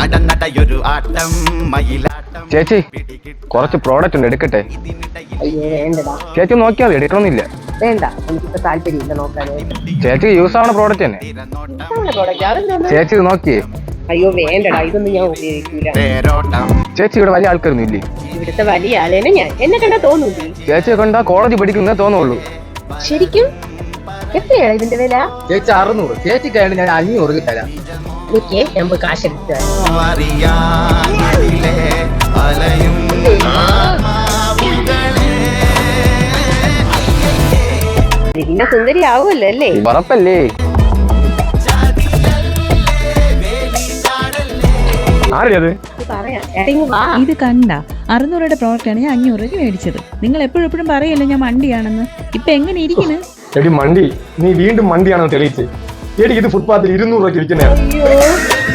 ചേച്ചി കുറച്ച് പ്രോഡക്റ്റ് ഉണ്ട്, എടുക്കട്ടെ? അയ്യോ വേണ്ടടാ. ചേച്ചി നോക്കിയാൽ മതി, എടുക്കണമെന്നില്ല. വേണ്ട, എനിക്കിപ്പോ താല്പര്യമില്ല നോക്കാനായിട്ട്. ചേച്ചിക്ക് യൂസ് ആവുന്ന പ്രോഡക്റ്റ് തന്നെ. ചേച്ചി ഇത് നോക്കിയേ. അയ്യോ വേണ്ടടാ, ഇതൊന്നും ഞാൻ ഉപയോഗിക്കൂല. ചേച്ചി ഇവിടെ വലിയ ആൾക്കാരൊന്നും ഇല്ലേ? ഇവിടുത്തെ വലിയ ആളേനെ ഞാൻ എന്നെ കണ്ടാ തോന്നൂല്ലേ? ചേച്ചിയെ കണ്ടാ കോളേജ് പഠിക്കുന്നേ തോന്നുള്ളൂ. ശരിക്കും എത്രയാണ് ഇതിന്റെ വില? ചേച്ചി 600. ചേച്ചിക്കായിട്ട് ഞാൻ 500 തരാം. എനിക്ക് ഞാൻ പോയി കാശെടുത്ത് പിന്നെ സുന്ദരി ആവുമല്ലോ അല്ലേ? ഉറപ്പല്ലേ? ഇത് കണ്ട 600 പ്രോഡക്റ്റ് ആണ് ഞാൻ 500 മേടിച്ചത്. നിങ്ങൾ എപ്പോഴും പറയല്ലോ ഞാൻ മണ്ടിയാണെന്ന്. ഇപ്പൊ എങ്ങനെ ഇരിക്കുന്നു? എടി മണ്ടി, നീ വീണ്ടും മണ്ടിയാണെന്ന് തെളിയിച്ച്. എടി ഇത് ഫുട്പാത്തിൽ 200 രൂപയ്ക്ക് വിൽക്കുന്നതാണ്.